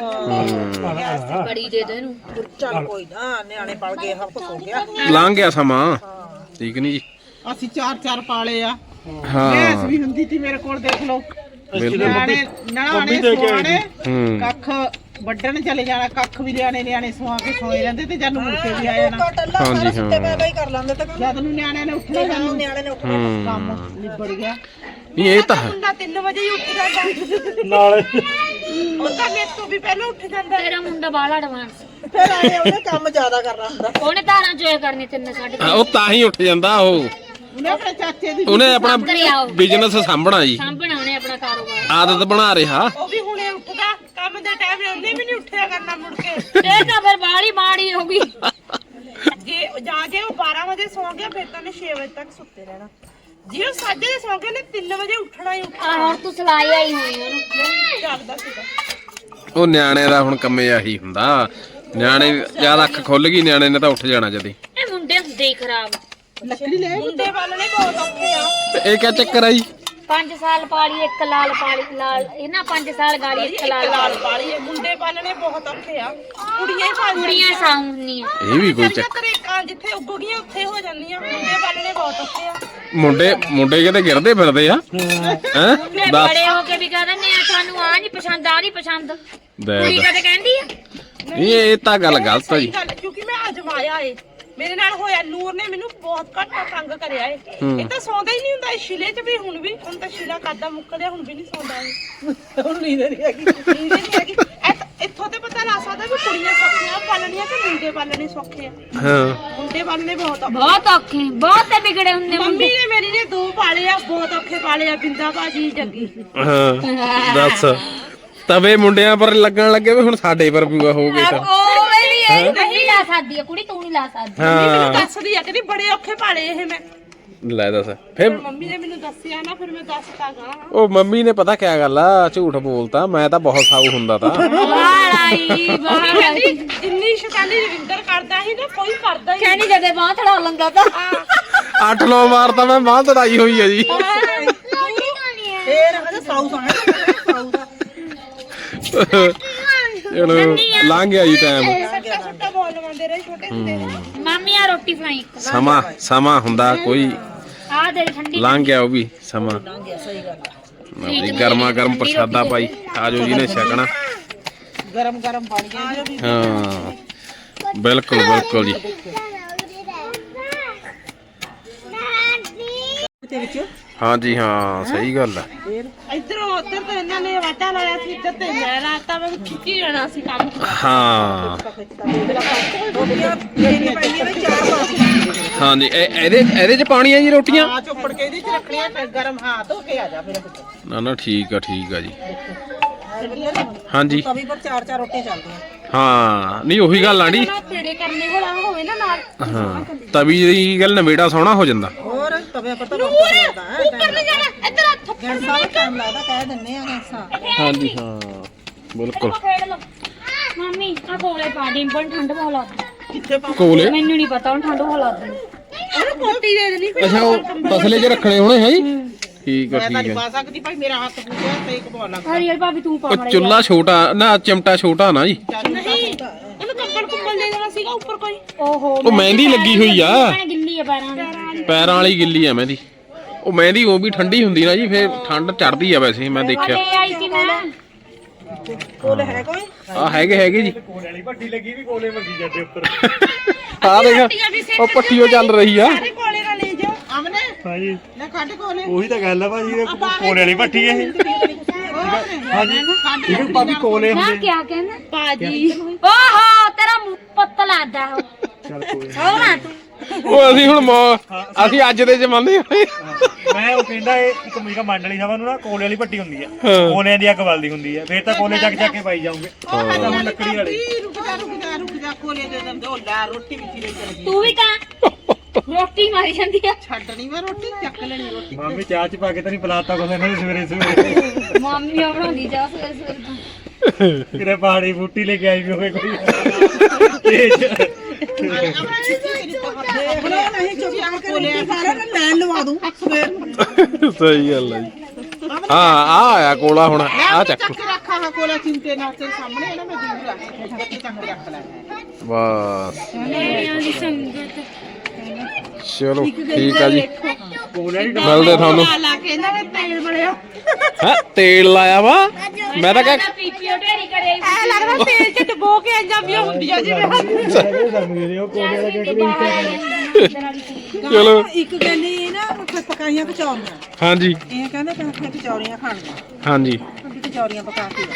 ਖਾਣ ਬੜੀ ਦੇ ਦੇ ਇਹਨੂੰ। ਚੱਲ ਕੋਈ ਨਾ ਨਿਆਣੇ ਪਲ ਗਏ ਹੱਥ ਹੋ ਗਿਆ। ਲੰਘ ਗਿਆ ਸਮਾਂ ਠੀਕ ਨਹੀਂ ਜੀ। ਅਸੀਂ ਚਾਰ ਚਾਰ ਪਾਲੇ ਆ। ਹਾਂ ਗੈਸ ਵੀ ਹੁੰਦੀ ਸੀ ਮੇਰੇ ਕੋਲ, ਦੇਖ ਲਓ। ਬਿਲਕੁਲ ਨਿਆਣੇ ਨਣਾਣੇ ਦੇ ਕੇ ਆਈ ਸੁਆਣੇ ਹੂੰ ਕੱਖ ਵੱਢਣ ਚਲੇ ਜਾਣਾ, ਕੱਖ ਵੀ ਨਿਆਣੇ ਨਿਆਣੇ ਸੁਆ ਕੇ ਸੋਏ ਰਹਿੰਦੇ ਤੇ ਜਦ ਨੂੰ ਮੁੜ ਕੇ ਵੀ ਆ ਜਾਣਾ। ਹਾਂਜੀ ਹਾਂ ਕਰ ਲੈਂਦੇ ਤੇ ਜਦ ਨੂੰ ਨਿਆਣਿਆਂ ਨੇ ਉੱਠਣਾ ਸਾਨੂੰ ਨਿਆਣੇ ਨੇ ਉੱਠਣਾ ਕੰਮ ਨਿਬੜ ਗਿਆ। ਨਹੀਂ ਇਹ ਤਾਂ ਹੈ। ਮੁੰਡਾ ਤਿੰਨ ਵਜੇ ਹੀ ਉੱਠ ਜਾਂਦਾ, ਨਾਲੇ ਉਹ ਤਾਂ ਮੇਰੇ ਤੋਂ ਵੀ ਪਹਿਲਾਂ ਉੱਠ ਜਾਂਦਾ। ਤੇਰਾ ਮੁੰਡਾ ਬਾਹਲਾ ਐਡਵਾਂਸ, ਫਿਰ ਆਏ ਉਹਨੇ ਕੰਮ ਜ਼ਿਆਦਾ ਕਰਨਾ ਹੁੰਦਾ। ਉਹਨੇ ਧਾਰਾਂ ਚੋਇਆ ਕਰਨੀ ਤਿੰਨ ਸਾਢੇ ਹਾਂ, ਉਹ ਤਾਂ ਹੀ ਉੱਠ ਜਾਂਦਾ ਉਹ। ਉਹਨੇ ਆਪਣੇ ਚਾਚੇ ਦੀ ਉਹਨੇ ਆਪਣਾ ਕਰਿਆ ਬਿਜ਼ਨਸ ਸਾਂਭਣਾ ਜੀ, ਸਾਂਭਣਾ ਉਹਨੇ ਆਪਣਾ ਕਾਰੋਬਾਰ। ਆਦਤ ਬਣਾ ਰਿਹਾ। ਉਹ ਵੀ ਹੁਣੇ ਉੱਠਦਾ, ਕੰਮ ਦਾ ਟਾਈਮ ਹੈ ਉਹਨੇ ਵੀ ਨਹੀਂ ਉੱਠਿਆ ਕਰਨਾ ਮੁੜ ਕੇ। ਇਹ ਤਾਂ ਫਿਰ ਬਾਹਲੀ ਮਾੜੀ ਹੋ ਗਈ। ਜੇ ਜਾਂ ਜੇ ਉਹ ਬਾਰਾਂ ਵਜੇ ਸੌਂ ਗਿਆ ਫਿਰ ਤਾਂ ਉਹਨੇ ਛੇ ਵਜੇ ਤੱਕ ਸੁੱਤੇ ਰਹਿਣਾ। ਜੇ ਉਹ ਸਾਜੇ ਦੇ ਸੌਂ ਗਿਆ ਨੇ ਤਿੰਨ ਵਜੇ ਉੱਠਣਾ ਹੀ ਉੱਠਣਾ। ਆ ਹੁਣ ਤੂੰ ਸਲਾਈ ਆਈ ਹੋਈ ਉਹਨੂੰ। ਜਾਗਦਾ ਸੀਗਾ। ਉਹ ਨਿਆਣੇ ਦਾ ਹੁਣ ਕੰਮੇ ਆਹੀ ਹੁੰਦਾ, ਨਿਆਣੇ ਜਦ ਅੱਖ ਖੁੱਲ ਗਈ ਨਿਆਣੇ ਨੇ ਤਾਂ ਉੱਠ ਜਾਣਾ ਜਦੀ। ਇਹ ਮੁੰਡੇ ਹੁੰਦੇ ਹੀ ਖਰਾਬ। ਲੱਕੜੀ ਲੈ ਮੁੰਡੇ ਵਾਲਣੇ ਬਹੁਤ ਔਖੇ ਆ। ਤੇ ਇਹ ਕਿਆ ਚੱਕਰ ਆ ਜੀ? ਪੰਜ ਸਾਲ ਪਾਲੀ ਇੱਕ ਲਾਲ ਪਾਲੀ ਲਾਲ ਇਹਨਾਂ ਪੰਜ ਸਾਲ ਗਾਲੀ ਇੱਕ ਲਾਲ ਲਾਲ ਪਾਲੀ ਆ, ਮੁੰਡੇ ਪਾਲਣੇ ਬਹੁਤ ਔਖੇ ਆ। ਕੁੜੀਆਂ ਹੀ ਪਾਲ ਕੁੜੀਆਂ ਸਾਉਂਦੀਆਂ। ਇਹ ਵੀ ਕੋਈ ਚੱਕਰ। ਤਰੇਕਾਂ ਜਿੱਥੇ ਉੱਗ ਗਈਆਂ ਉੱਥੇ ਹੋ ਜਾਂਦੀਆਂ। ਮੁੰਡੇ ਪਾਲਣੇ ਬਹੁਤ ਔਖੇ ਆ। ਮੁੰਡੇ ਮੁੰਡੇ ਕਿਤੇ ਗਿਰਦੇ ਫਿਰਦੇ ਆ ਹੈ ਮੁੰਡੇ ਦੱਸ ਬੜੇ ਹੋ ਕੇ ਵੀ ਕਹਿ ਦਿੰਦੇ ਆ ਸਾਨੂੰ ਆ ਨਹੀਂ ਪਸੰਦ ਆ ਨਹੀਂ ਪਸੰਦ। ਦੇ ਕੁੜੀ ਕਦੇ ਕਹਿੰਦੀ ਆ ਨਹੀਂ ਇਹ ਤਾਂ ਗੱਲ ਗਲਤ ਆ ਜੀ। ਸਹੀ ਗੱਲ, ਕਿਉਂਕਿ ਮੈਂ ਅਜਮਾਇਆ ਏ, ਮੇਰੇ ਨਾਲ ਹੋਇਆ। ਨੂਰ ਨੇ ਮੈਨੂੰ ਬਹੁਤ ਘੱਟ ਤੰਗ ਕਰਿਆ ਏ। ਇਹ ਤਾਂ ਸੌਂਦਾ ਹੀ ਨਹੀਂ ਹੁੰਦਾ। ਇਹ ਸ਼ਿਲੇ 'ਚ ਵੀ ਹੁਣ ਵੀ, ਹੁਣ ਤਾਂ ਸ਼ਿਲਾ ਕਰਦਾ ਮੁੱਕ ਲਿਆ, ਹੁਣ ਵੀ ਨਹੀਂ ਸੌਂਦਾ ਇਹ। ਹੁਣ ਨੀਂਦ ਨਹੀਂ ਹੈਗੀ। ਨੀਂਦ ਨਹੀਂ ਹੈਗੀ। ਇੱਥੋਂ ਤੇ ਪਤਾ ਲੱਗ ਸਕਦਾ ਵੀ ਕੁੜੀਆਂ ਸੌਖੀਆਂ ਕਿ ਮੁੰਡੇ ਪਾਲਣੇ ਸੌਖੇ ਆ ਹਾਂ ਮੁੰਡੇ ਪਾਲਣੇ ਬਹੁਤ ਔਖੇ ਬਹੁਤ ਔਖੇ ਬਹੁਤ ਤੇ ਵਿਗੜੇ ਹੁੰਦੇ ਮੰਮੀ ਨੇ ਮੇਰੀ ਨੇ ਦੋ ਪਾਲੇ ਆ ਬਹੁਤ ਔਖੇ ਪਾਲੇ ਆ ਬਿੰਦਾ ਭਾਜੀ ਜੱਗੀ ਹਾਂ ਦੱਸ ਤਵੇ ਮੁੰਡਿਆਂ ਪਰ ਲੱਗਣ ਲੱਗੇ ਵੀ ਹੁਣ ਸਾਡੇ ਪਰ ਵੀ ਹੋ ਗਏ ਤਾਂ ਉਹ ਮੇਰੀ ਇਹ ਨਹੀਂ ਲਾ ਸਕਦੀ ਆ ਕੁੜੀ ਤੂੰ ਨਹੀਂ ਲਾ ਸਕਦੀ ਮੈਨੂੰ ਹਾਂ ਦੱਸਦੀ ਆ ਕਿ ਬੜੇ ਔਖੇ ਪਾਲੇ ਇਹ ਮੈਂ ਲੈ ਦੱਸ ਫਿਰ ਮੰਮੀ ਨੇ ਮੈਨੂੰ ਦੱਸਿਆ ਨਾ ਫਿਰ ਮੈਂ ਦੱਸਤਾ ਗਾ ਉਹ ਮੰਮੀ ਨੇ ਪਤਾ ਕਿਆ ਗੱਲ ਆ ਝੂਠ ਬੋਲਤਾ ਮੈਂ ਤਾਂ ਬਹੁਤ ਸਾਊ ਹੁੰਦਾ ਤਾਂ ਬਾਈ ਮੰਮੀ ਕਹਿੰਦੀ ਜਿੰਨੀ ਸ਼ੈਤਾਨੀ ਰਵਿੰਦਰ ਕਰਦਾ ਸੀ ਨਾ ਕੋਈ ਕਰਦਾ ਹੀ ਨਹੀਂ ਕਹਿੰਦੀ ਜਦੇ ਬਾਹ ਥੜਾ ਲੰਗਾ ਤਾਂ ਅੱਠ ਨੌ ਵਾਰ ਤਾਂ ਮੈਂ ਬਾਂਹ ਤੜਾਈ ਹੋਈ ਆ ਜੀ ਫੇਰ ਹਜੇ ਸਾਊ ਸੋਹਣਾ ਸਾਊ ਦਾ ਚਲੋ ਲੰਘ ਗਿਆ ਜੀ ਟਾਈਮ ਸੱਟਾ ਸੱਟਾ ਬੋਲ ਲਵਾਉਂਦੇ ਰਹੇ ਛੋਟੇ ਹੁੰਦੇ ਮਾਮੀ ਆ ਰੋਟੀ ਫਰਾਈ ਇੱਕ ਸਮਾਂ ਸਮਾਂ ਹੁੰਦਾ ਕੋਈ ਆ ਦੇ ਠੰਡੀ ਲੰਘ ਗਿਆ ਉਹ ਵੀ ਸਮਾਂ ਲਓ ਜੀ ਗਰਮਾ ਗਰਮ ਪ੍ਰਸ਼ਾਦਾ ਭਾਈ ਆਜੋ ਜੀ ਨੇ ਛਕਣਾ ਗਰਮ ਗਰਮ ਬਣ ਗਿਆ ਜੀ ਹਾਂ ਬਿਲਕੁਲ ਬਿਲਕੁਲ ਜੀ ਤੇ ਵਿੱਚ ਹਾਂਜੀ ਹਾਂ ਸਹੀ ਗੱਲ ਆ ਇੱਧਰੋਂ ਉੱਧਰ ਤਾਂ ਇਹਨਾਂ ਨੇ ਵਾਟਾ ਲਾਇਆ ਸੀ ਇੱਧਰ ਤੇ ਮੈਂ ਲਾਤਾ ਮੈਂ ਖਿੱਚੀ ਜਾਣਾ ਸੀ ਕੰਮ ਹਾਂ ਰੋਟੀਆਂ ਦੇਣੀ ਪੈਂਦੀਆਂ ਨੇ ਚਾਰ ਪਾਸ ਹਾਂਜੀ ਇਹ ਇਹਦੇ ਇਹਦੇ ਚ ਪਾਣੀ ਆ ਜੀ ਰੋਟੀਆਂ ਆ ਚੁੱਪੜ ਕੇ ਇਹਦੇ ਚ ਰੱਖਣੀਆਂ ਫਿਰ ਗਰਮ ਹਾਂ ਧੋ ਕੇ ਆ ਜਾ ਮੇਰੇ ਪੁੱਤ ਨਾ ਨਾ ਠੀਕ ਆ ਠੀਕ ਆ ਜੀ ਹਾਂਜੀ ਤਵੀ ਪਰ ਚਾਰ ਚਾਰ ਰੋਟੀਆਂ ਚੱਲਦੀਆਂ ਹਾਂ ਨਹੀਂ ਉਹੀ ਗੱਲ ਆਂਡੀ ਪੇੜੇ ਕਰਨੇ ਹੋਣਾ ਹੋਵੇ ਨਾ ਨਾਲ ਹਾਂ ਤਵੀ ਦੀ ਗੱਲ ਨਵੇੜਾ ਸੋਹਣਾ ਹੋ ਜਾਂਦਾ ਹੋਰ ਤਵੇ ਪਰ ਤਾਂ ਬਹੁਤ ਲੱਗਦਾ ਹੈ ਉੱਪਰ ਨਹੀਂ ਜਾਣਾ ਇੱਧਰ ਹੱਥ ਗੈਂਸਾ ਵੀ ਟਾਈਮ ਲੱਗਦਾ ਕਹਿ ਦਿੰਨੇ ਆ ਗੈਂਸਾ ਹਾਂਜੀ ਹਾਂ ਬਿਲਕੁਲ ਖੇਡ ਲੋ ਮਾਮੀ ਆ ਕੋਲੇ ਪਾ ਡਿੰਪਲ ਠੰਡ ਬਹੁਤ ਲੱਗਦੀ ਕਿੱਥੇ ਪਾ ਕੋਲੇ ਮੈਨੂੰ ਨਹੀਂ ਪਤਾ ਹੁਣ ਠੰਡ ਬਹੁਤ ਲੱਗਦੀ ਉਹਨੂੰ ਕੋਟੀ ਦੇ ਦੇਣੀ ਫਿਰ ਅੱਛਾ ਉਹ ਤਸਲੇ 'ਚ ਰੱਖਣੇ ਹੋਣੇ ਹੈ ਜੀ ਠੀਕ ਆ ਮੈਂ ਤਾਂ ਠੀਕ ਨਹੀਂ ਆ ਪਾ ਸਕਦੀ ਭਾਈ ਮੇਰਾ ਹੱਥ ਪੂਰਾ ਤੇ ਇੱਕ ਬੋਲ ਲੱਗ ਹਰੀਅਲ ਭਾਬੀ ਤੂੰ ਪਾ ਉਹ ਚੁੱਲਾ ਛੋਟਾ ਨਾ ਚਿਮਟਾ ਛੋਟਾ ਨਾ ਜੀ ਨਹੀਂ ਉਹਨੂੰ ਕੰਬਲ ਕੁੰਬਲ ਦੇ ਦੇਣਾ ਸੀਗਾ ਉੱਪਰ ਕੋਈ ਓਹੋ ਉਹ ਮਹਿੰਦੀ ਲੱਗੀ ਹੋਈ ਆ ਭੈਣੇ ਗਿੱਲੀ ਆ ਪੈਰਾਂ ਦੀ ਪੈਰਾਂ ਵਾਲੀ ਗਿੱਲੀ ਆ ਮਹਿੰਦੀ ਉਹ ਮਹਿੰਦੀ ਉਹ ਵੀ ਠੰਡੀ ਹੁੰਦੀ ਨਾ ਜੀ ਫੇਰ ਠੰਡ ਚੜਦੀ ਆ ਵੈਸੇ ਮੈਂ ਦੇਖਿਆ ਲੈ ਆਈ ਸੀ ਮੈਂ ਕੋਲੇ ਹੈ ਕੋਈ ਆ ਹੈਗੇ ਹੈਗੇ ਜੀ ਕੋਲੇ ਵਾਲੀ ਭੱਟੀ ਲੱਗੀ ਵੀ ਕੋਲੇ ਵੱਜੀ ਜਾਂਦੇ ਉੱਪਰ ਆ ਦੇਖ ਉਹ ਪੱਟੀਓ ਚੱਲ ਰਹੀ ਆ ਸਾਰੇ ਕੋਲੇ ਨਾਲ ਲੈ ਜਾਓ ਆਮਨੇ ਹਾਂਜੀ ਲੈ ਕੱਢ ਕੋਲੇ ਉਹੀ ਤਾਂ ਗੱਲ ਆ ਭਾਜੀ ਇਹ ਕੋਲੇ ਵਾਲੀ ਭੱਟੀ ਇਹ ਹਾਂਜੀ ਇਹ ਭਾਬੀ ਕੋਲੇ ਨਾ ਹੁੰਦੇ ਕਿਆ ਕਹਿੰਦਾ ਬਾਜੀ ਓਹੋ ਤੇਰਾ ਮੂੰਹ ਪੱਤ ਲੱਗਦਾ ਉਹ ਚੱਲ ਕੋਈ ਸੋਹਣਾ ਤੂੰ ਉਹ ਅਸੀਂ ਹੁਣ ਮੌ- ਅਸੀਂ ਅੱਜ ਦੇ ਜ਼ਮਾਨੇ ਹੋਏ ਮੈਂ ਉਹ ਕਹਿੰਦਾ ਇਹ ਇੱਕ ਮੇਰਾ ਮੰਡਲੀ ਸਭਾ ਨੂੰ ਨਾ ਕੋਲੇ ਵਾਲੀ ਭੱਟੀ ਹੁੰਦੀ ਆ ਹਾਂ। ਕੋਲਿਆਂ ਦੀ ਅੱਗ ਬਲਦੀ ਹੁੰਦੀ ਆ ਫੇਰ ਤਾਂ ਕੋਲੇ ਚੱਕ ਚੱਕ ਕੇ ਪਾਈ ਜਾਓਗੇ ਤਾਂ ਹੁਣ ਲੱਕੜੀ ਵਾਲੀ ਰੁਕ ਜਾ ਰੁਕ ਜਾ ਰੁਕ ਜਾ ਕੋਲੇ ਦੇ ਦਿੰਦੇ ਉਹ ਲੈ ਰੋਟੀ ਵਿੱਚ ਲੈ ਚਲੀ ਤੂੰ ਵੀ ਤਾਂ ਰੋਟੀ ਮਾਰੀ ਜਾਂਦੀ ਆ ਛੱਡਣੀ ਮੈਂ ਰੋਟੀ ਚੱਕ ਲੈਣੀ ਰੋਟੀ ਮਾਮੀ ਚਾਹ ਚ ਪਾ ਕੇ ਤਾਂ ਨਹੀਂ ਪਲਾਤਾ ਕੋਲੇ ਇਹਨਾਂ ਨੇ ਸਵੇਰੇ ਸਵੇਰੇ ਮਾਮੀ ਆ ਬਣਾਉਂਦੀ ਜਾ ਸਵੇਰੇ ਸਵੇਰੇ ਤਾਂ ਕਿਰੇ ਪਹਾੜੀ ਬੂਟੀ ਲੈ ਕੇ ਆਈ ਵੀ ਹੋਵੇ ਕੋਈ ਤੇਜ ਦੇਖ ਲਓ ਨਹੀਂ ਚੁੱਪ ਕੋਲੇ ਸਾਰਾ ਮੈਂ ਲਵਾ ਦੂੰ ਸਵੇਰ ਨੂੰ ਸਹੀ ਗੱਲ ਆ ਜੀ ਹਾਂ ਆ ਆਇਆ ਕੋਲਾ ਹੁਣ ਆ ਚੱਕ ਚੱਕ ਕੇ ਰੱਖਾ ਹਾਂ ਕੋਲੇ ਚਿੰਤੇ ਨਾਲ ਤੇਰੇ ਸਾਹਮਣੇ ਹੈ ਨਾ ਮੈਂ ਦੂਰ ਰੱਖ ਕੇ ਚੱਕ ਕੇ ਰੱਖ ਲੈ ਬਸ ਮੇਰਿਆਂ ਦੀ ਸੰਗਤ ਚਲੋ ਠੀਕ ਆ ਜੀ ਕੋਲੇ ਵਾਲੀ ਮਿਲਦੇ ਤੁਹਾਨੂੰ ਲਾ ਲਾ ਕੇ ਇਹਨਾਂ ਨੇ ਤੇਲ ਬੜਿਆ ਹੈ ਤੇਲ ਲਾਇਆ ਵਾ ਮੈਂ ਤਾਂ ਕਹਿ ਪੀਪੀਓ ਢੇਰੀ ਕਰੇ ਐ ਲੱਗਦਾ ਤੇਲ ਚ ਡਬੋ ਕੇ ਜਾਂਦੀਆਂ ਹੁੰਦੀਆਂ ਜਿਵੇਂ ਹੱਥ ਉਹ ਕੋਲੇ ਵਾਲਾ ਕਹਿ ਚਲੋ ਇੱਕ ਕਹਿੰਦੀ ਨਾ ਪਕਾਈਆਂ ਕਚੌਰੀਆਂ ਹਾਂਜੀ ਇਹ ਕਹਿੰਦੇ ਕਿ ਕਚੌਰੀਆਂ ਖਾਣੀਆਂ ਹਾਂਜੀ ਕਚੌਰੀਆਂ ਪਕਾ ਕੇ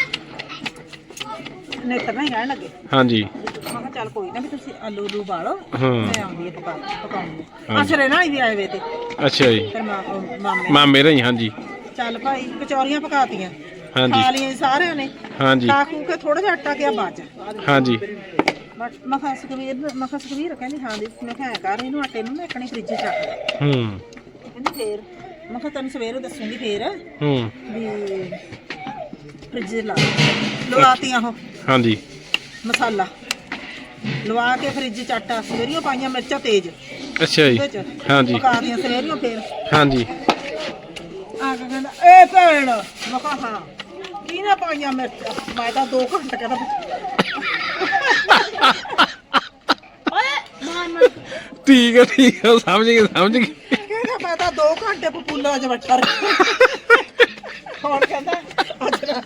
ਨੇਤਰ ਨਹੀਂ ਰਹਿਣ ਲੱਗੇ ਹਾਂਜੀ ਮੈਂ ਕਿਹਾ ਚੱਲ ਕੋਈ ਨਾ ਵੀ ਤੁਸੀਂ ਆਲੂ ਉਲੂ ਬਾਲੋ ਹਾਂ ਮੈਂ ਆਉਂਦੀ ਹੈ ਪਕਾ ਪਕਾਉਂਗੀ ਅਸਰੇ ਨਾਲ ਹੀ ਵੀ ਆਏ ਵੇ ਤੇ ਅੱਛਾ ਜੀ ਫਿਰ ਮਾਂ ਮਾਮੇ ਮਾਂ ਮੇਰੇ ਹੀ ਹਾਂਜੀ ਚੱਲ ਭਾਈ ਕਚੌਰੀਆਂ ਪਕਾਤੀਆਂ ਹਾਂਜੀ ਖਾ ਲਈਆਂ ਜੀ ਸਾਰਿਆਂ ਨੇ ਹਾਂਜੀ ਖਾ ਖੂ ਕੇ ਥੋੜਾ ਜਿਹਾ ਆਟਾ ਗਿਆ ਬਾਅਦ ਚ ਹਾਂਜੀ ਮੈਂ ਮੈਂ ਕਿਹਾ ਸੁਖਵੀਰ ਮੈਂ ਕਿਹਾ ਸੁਖਵੀਰ ਕਹਿੰਦੀ ਹਾਂ ਦੀ ਮੈਂ ਕਿਹਾ ਐਂ ਕਰ ਇਹਨੂੰ ਆਟੇ ਨੂੰ ਨਾ ਇੱਕਣੀ ਫ੍ਰਿਜ ਚ ਰੱਖ ਦੇ ਹੂੰ ਕਹਿੰਦੀ ਫੇਰ ਮੈਂ ਕਿਹਾ ਤੈਨੂੰ ਸਵੇਰੇ ਦੱਸੂਗੀ ਫੇਰ ਹੂੰ ਵੀ ਫ੍ਰਿਜ ਲਾ ਲਵਾਤੀਆਂ ਉਹ ਹਾਂਜੀ ਮਸਾਲਾ ਲਵਾ ਕੇ ਫ੍ਰਿਜ ਚ ਆਟਾ ਸਵੇਰੀਆਂ ਪਾਈਆਂ ਮਿਰਚਾਂ ਤੇਜ਼ ਅੱਛਾ ਜੀ ਉਹਦੇ ਚ ਹਾਂਜੀ ਪਕਾ ਦੀਆਂ ਸਵੇਰੀਆਂ ਫੇਰ ਹਾਂਜੀ ਆ ਕੇ ਕਹਿੰਦਾ ਏ ਭੈਣ ਮੈਂ ਕਿਹਾ ਹਾਂ ਕੀ ਨਾ ਪਾਈਆਂ ਮਿਰਚਾਂ ਮੈਂ ਤਾਂ ਦੋ ਘੰਟੇ ਕਹਿੰਦਾ ਠੀਕ ਹੈ ਠੀਕ ਹੈ ਸਮਝ ਗਏ ਸਮਝ ਗਏ ਕਹਿੰਦਾ ਮੈਂ ਤਾਂ ਦੋ ਘੰਟੇ ਪਪੂਲਾ ਚ ਬੈਠਾ ਰਿਹਾ ਕੌਣ ਕਹਿੰਦਾ ਅੱਜ ਨਾ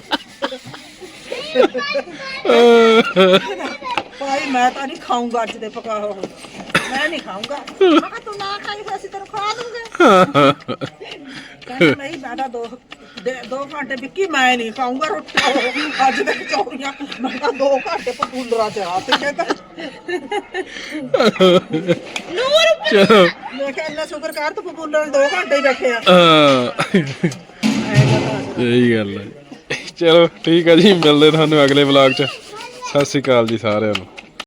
ਭਾਈ ਮੈਂ ਤਾਂ ਨਹੀਂ ਖਾਊਂਗਾ ਅੱਜ ਦੇ ਪਕਾ ਹੋ ਮੈਂ ਨਹੀਂ ਖਾਊਂਗਾ ਮੈਂ ਕਿਹਾ ਤੂੰ ਨਾ ਖਾਈ ਫਿਰ ਅਸੀਂ ਤੈਨੂੰ ਖਵਾ ਦੂੰਗੇ ਕਹਿੰਦਾ ਨਹੀਂ ਮੈਂ ਤਾਂ ਦੋ ਦੇ ਦੋ ਘੰਟੇ ਵਿੱਕੀ ਮੈਂ ਨਹੀਂ ਖਾਊਂਗਾ ਰੋਟੀ ਅੱਜ ਤੱਕ ਚੌਰੀਆਂ ਮੈਂ ਤਾਂ ਦੋ ਘੰਟੇ ਪਪੂਲਰਾ ਚ ਆ ਤੇ ਕਹਿੰਦਾ ਚਲੋ ਮੈਂ ਕਿਹਾ ਇੰਨਾ ਸ਼ੁਕਰ ਕਰ ਤੂੰ ਪਪੂਲਰ ਦੋ ਘੰਟੇ ਹੀ ਬੈਠੇ ਆ ਹਾਂ ਸਹੀ ਗੱਲ ਹੈ। ਚਲੋ ਠੀਕ ਹੈ ਜੀ, ਮਿਲਦੇ ਤੁਹਾਨੂੰ ਅਗਲੇ ਵਲੌਗ 'ਚ। ਸਤਿ ਸ਼੍ਰੀ ਅਕਾਲ ਜੀ ਸਾਰਿਆਂ ਨੂੰ।